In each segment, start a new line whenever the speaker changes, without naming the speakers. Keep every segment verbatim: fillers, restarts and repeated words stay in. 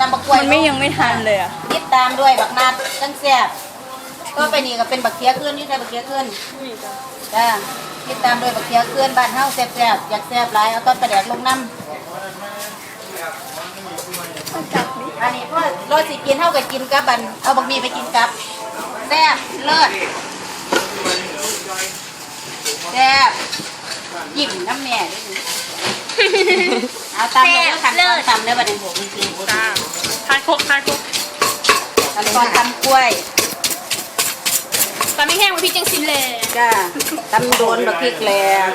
ำบักกล้วย
มันไม่ยังไม่ทันเลยอ่ะ
ติดตามด้วยบักนัดจังแซ่บก็ไปนี่ก็เป็นบักเคี้ยขึ้นนี่ใช่บักเคี้ยขึ้นจ้าติดตามด้วยบักเคี้ยขึ้นบ้านเฮาแซ่บๆอยากแซ่บหลายเอาต้นประแดกลงน้ำอันนี้เพราะรสสิกินเท่ากับกินกับบันเอาบักมี่ไปกินกับแซ่บเลิศแซ่บหยิบน้ำแหน่เอาตามเลยขั้นตอนตำเลยบัดนี้ผมจริงๆจ้า
ทานครกทานครก
ขั้นตอนตำกล้วย
ตำไม่แห้งมันพี่จังสินเลย
จ้าตำโดนบักพริกแหลก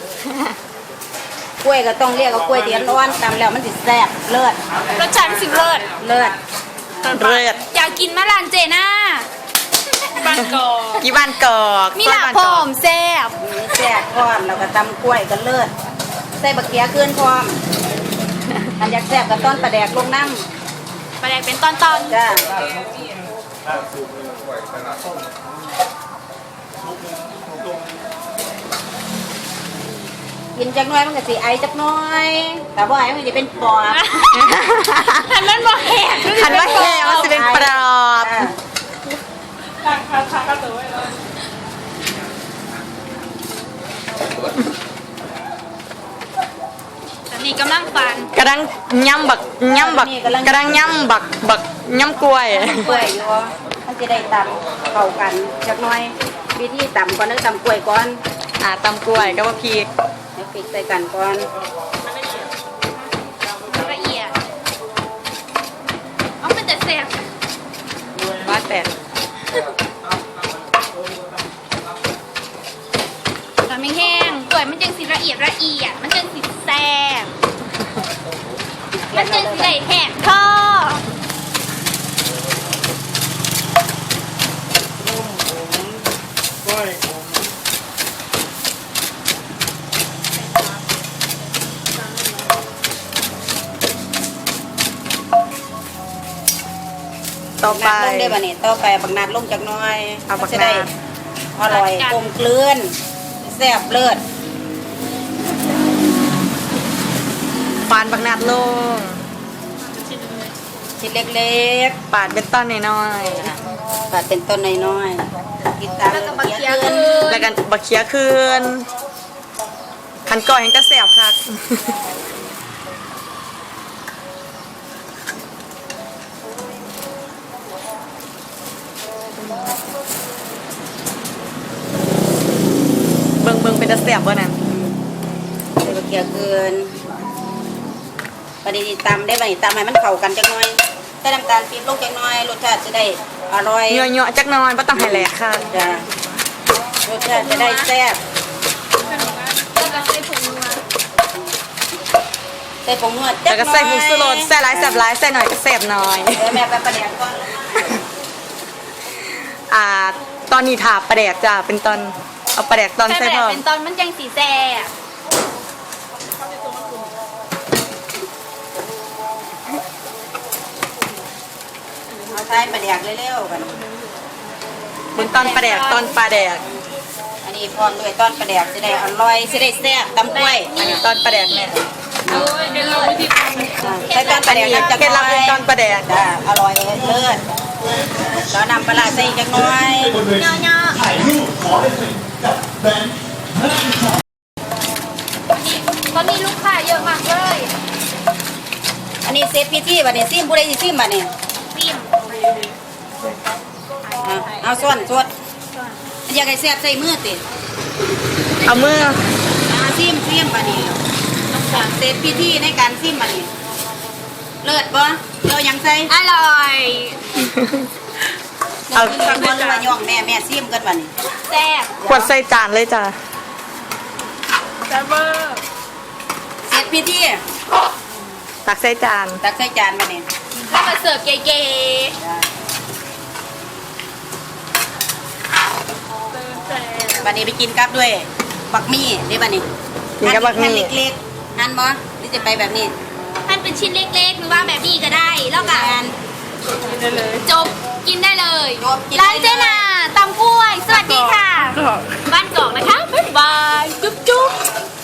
กล้วยก็ต้องเรียกว่ากล้วยเดียนร้อนตำแล้วมันสิแซ่บเลิศ
รสชาติสิเลิศ
เลิศ
เลิศอยากกินมะลานเจน่าบ้านกอก
กี่บ้านกอก
มีหลาพร้อมแซ่บ
มีแซ่บพร้อมแล้วก็ตำกล้วยก็เลิศใส่บักเขียขึ้นพร้อมอันอยากแซ่บก็ต้นประแดกลงน้
ำประแดกเป็นตอน
ๆจ้ากินจักน้อยมันก็สิไอจักน้อยแต่ว่าไอมันจะเป็นปอบ
คันมันบ่แหก
คันว่าแหกมันจะเป็นปอบ
ตอนนี้กำลังฟัน
กำลังย่ำบักย่ำบักกำลังย่ำบักบักย่ำกล้วย
กล้วยอยู่มันจะได้ตำเข้ากันจักน้อยวิธีตำก่อนนึกตำกล้วยก่อน
อ่าตำกล้วยก็ว่าพีก
เดี๋ยวปิดใส่กันก่อน
ละเอียดเอาเป็นแต่แซ่บ
บ้าแต่
ตำไม่แห้งกล้วยมันจังสิละเอียดละเอียดมันจังสิแซ่บมันจังสิได้แหกท่อ
ต่อไป
ลงได้ป่ะเนี่ยต่อไปบักนัดลงจากน้อย
เอาบัก
นัดอร่อยกลมกลืนแซ่บเลิศ
ปานบักนัดลง
ชิ้นเล็ก
ๆปาดเป็นต้นน้อย
ๆปาดเป็นต้นน้อยๆกินตามบักเคี้ยขึ้น
แล้วกันบักเคี้ยขึ้นขันก่อยเห็นจะแซ่บค่ะเบิ่งเบิ่งเป็นจะแซ่บบ่นั่น
ใส่บักเคี้ยขึ้นปฏิทินตำได้ไหมตำให้มันเข้ากันจักหน่อยใส่น้ำตาลปี๊บลงจักหน่อยรสชาติจะได้อร่อย
เยอะๆจักหน่อยบ่ต้องให้แหลกค่ะ
จ้ะรสชาติจะได้แซ่บ
แล้วก็ใส่ผงนัว
ใส่ผงนัว
แล้วก็ใส่ผงชูรสใส่หลายแซ่บหลายใส่หน่อยก็แซ่บหน่อย
เดี๋ยวแม่ไปประแดกก่อน
อ่าตอนนี้ถาประแดกจ้ะเป็นตอนเอาประแดกตอนใส่พร้อม
เป็นตอนมันจังสีแซ่บ
เอาใส่ประแดกเร็วๆกัน
เป็นตอนประแดกตอนปลาแดก
อันนี้พร้อมด้วยตอนประแดกจะได้อร่อยจะได้แซ่บตำกล้วย
อันนี้ตอนประแดกเนี่ย
ใส่ตอนประแดกจะ
เคล็ดลับเป็นตอนประแดก
จ้ะอร่อยเลิศแล้วนำปลาใส่จังน้อย
เนาะเนาะถ่ายรูปขอได้เลยกับแบรนด์ตอนนี้ลูกค้าเยอะมากเลย
อันนี้เซฟพิธีบัดนี้ซิมผู้ใดสิซิมบัดนี้
ซิม
เอาส่วนสดอยากให้แซ่บใส่มือติ
เอามือ
เอาซิมซิมบัดนี้เซฟพิธีในการซิมบัดนี้เลิศบ่เรายังใส่
อร่อย
เอาซิมบ่ว่าย่องแม่แม่ซิมกันบัดนี้
แซ่บ
ขวดใส่จานเลยจ้ะ
แซ่บเบอร์
เซฟพิธี
ตักใส่จาน
ตักใส่จานบัดนี้
ถ้ามาเสิร์ฟเก๋
ๆบัดนี้ไปกินกับด้วยบักมี่นี่บัดนี้
กินกับบักมี่
เล็กๆหั่นบ่หรือจะไปแบบนี้
หั่นเป็นชิ้นเล็กๆหรือว่าแบบนี้ก็ได้แล้วกันจบกินได้เลยร้านเจนาตำกล้วยสวัสดีค่ะบ้านกอกนะคะบ๊ายบายจุ๊บจุ๊บ